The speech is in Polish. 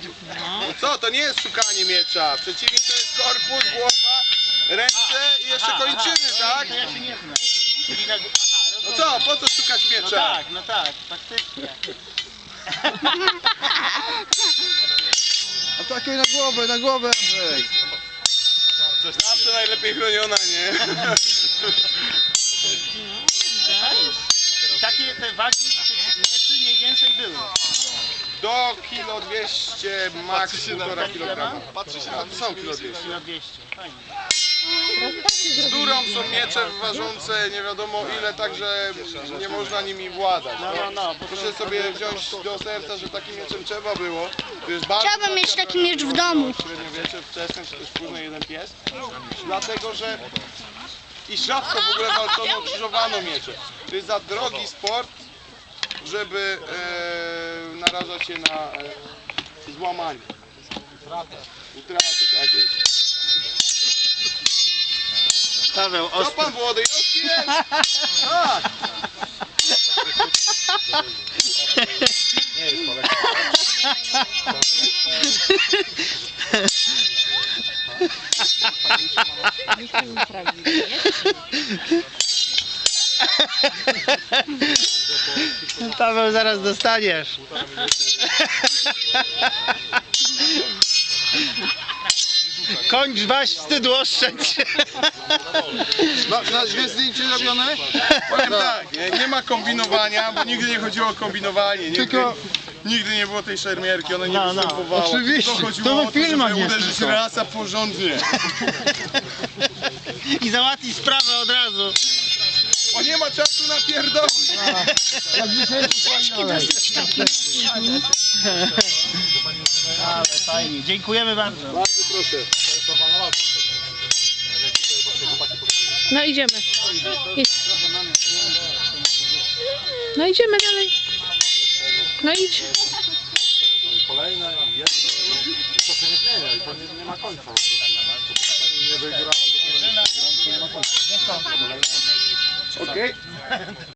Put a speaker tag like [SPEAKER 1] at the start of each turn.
[SPEAKER 1] No co, to nie jest szukanie miecza. Przeciwnie to jest korpus, głowa, ręce i jeszcze kończyny, tak?
[SPEAKER 2] To ja się nie znam.
[SPEAKER 1] No co, po co szukać miecza?
[SPEAKER 2] No tak, faktycznie.
[SPEAKER 3] Atakuj na głowę, Andrzej.
[SPEAKER 1] Zawsze najlepiej chroniona, nie?
[SPEAKER 2] I takie te wagi tych mieczy mniej więcej były.
[SPEAKER 1] Do kilo 200, max 1,5 kg.
[SPEAKER 3] Patrzy się
[SPEAKER 1] A to są kilo 200.
[SPEAKER 2] Kilo 200. Fajnie.
[SPEAKER 1] Z durą są miecze ważące nie wiadomo ile, także nie można nimi władać.
[SPEAKER 2] No, bo
[SPEAKER 1] Proszę sobie wziąć do serca, że takim mieczem trzeba było. To jest bardzo
[SPEAKER 4] Chciałabym mieć taki miecz w domu.
[SPEAKER 1] średniowiecze, wczesne czy też późno jeden pies. Dlatego, że i rzadko w ogóle walczono, krzyżowano miecze. To jest za drogi sport, żeby narażać się na złamanie. Utratę, tak jest.
[SPEAKER 2] Paweł,
[SPEAKER 1] Co pan młody? Już jest! Tak!
[SPEAKER 2] Paweł, zaraz dostaniesz. Kończ waś, wstyd oszczędź.
[SPEAKER 3] Na dwie zdjęcie robione?
[SPEAKER 1] Powiem tak, nie ma kombinowania, bo nigdy nie chodziło o kombinowanie. Nigdy,
[SPEAKER 3] Tylko-
[SPEAKER 1] nigdy nie było tej szermierki, ona nie
[SPEAKER 2] No,
[SPEAKER 1] występowała.
[SPEAKER 3] oczywiście.
[SPEAKER 1] To chodziło
[SPEAKER 3] To
[SPEAKER 1] o
[SPEAKER 3] w filmach
[SPEAKER 1] żeby
[SPEAKER 3] jest
[SPEAKER 1] uderzyć
[SPEAKER 3] tylko.
[SPEAKER 1] rasa porządnie.
[SPEAKER 2] I załatwić sprawę od razu.
[SPEAKER 1] Bo nie ma czasu na pierdoły.
[SPEAKER 3] Jak dzisiaj
[SPEAKER 2] Ale fajnie, dziękujemy bardzo.
[SPEAKER 1] Bardzo proszę.
[SPEAKER 4] No idziemy. Idź. No idziemy dalej. No idź.
[SPEAKER 3] Kolejne i jeszcze. To się nie zmienia i to nie ma końca. Nie wygrał.
[SPEAKER 1] Okej.